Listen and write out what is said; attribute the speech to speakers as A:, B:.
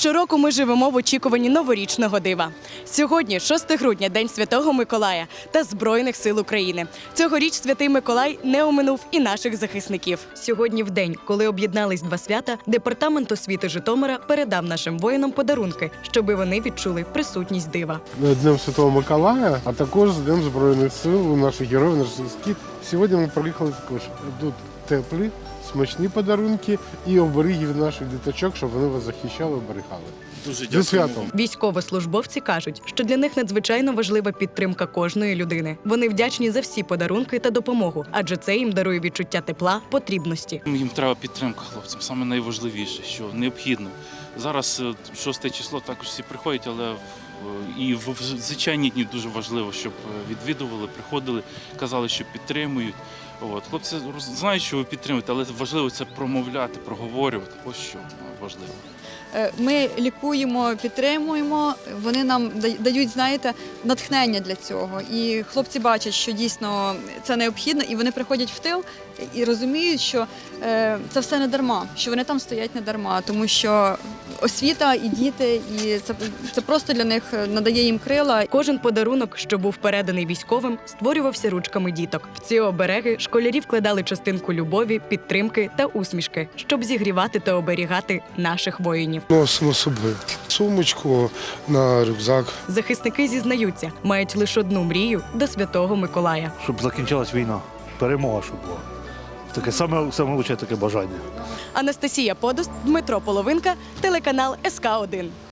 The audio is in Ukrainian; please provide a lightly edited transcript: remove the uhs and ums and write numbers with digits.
A: Щороку ми живемо в очікуванні новорічного дива. Сьогодні, 6 грудня, День Святого Миколая та Збройних сил України. Цьогоріч Святий Миколай не оминув і наших захисників. Сьогодні, в день, коли об'єднались два свята, Департамент освіти Житомира передав нашим воїнам подарунки, щоби вони відчули присутність дива.
B: Днем Святого Миколая, а також Днем Збройних сил, наших героїв, наших захисників. Сьогодні ми приїхали також. Тут теплі, смачні подарунки і оберіги від наших діточок, щоб вони вас захищали, оберігали.
C: Дуже
B: Зі святом!
A: Військовослужбовці кажуть, що для них надзвичайно важлива підтримка кожної людини. Вони вдячні за всі подарунки та допомогу, адже це їм дарує відчуття тепла, потрібності.
C: Їм треба підтримка хлопцям, саме найважливіше, що необхідно. Зараз 6 число також всі приходять, але і в звичайні дні дуже важливо, щоб відвідували, приходили, казали, що підтримують. Хлопці знають, що ви підтримуєте, але важливо це промовляти, проговорювати. Ось що важливо.
D: Ми лікуємо, підтримуємо, вони нам дають, знаєте, натхнення для цього. І хлопці бачать, що дійсно це необхідно, і вони приходять в тил і розуміють, що це все не дарма, що вони там стоять не дарма, тому що освіта і діти, і це просто для них надає їм крила.
A: Кожен подарунок, що був переданий військовим, створювався ручками діток. В ці обереги школярі вкладали частинку любові, підтримки та усмішки, щоб зігрівати та оберігати наших воїнів.
B: Носимо з собою сумочку на рюкзак.
A: Захисники зізнаються, мають лише одну мрію до Святого Миколая.
E: Щоб закінчилась війна, перемога, щоб була. Таке саме лучше таке бажання.
A: Анастасія Подус, Дмитро Половинка, телеканал СК1.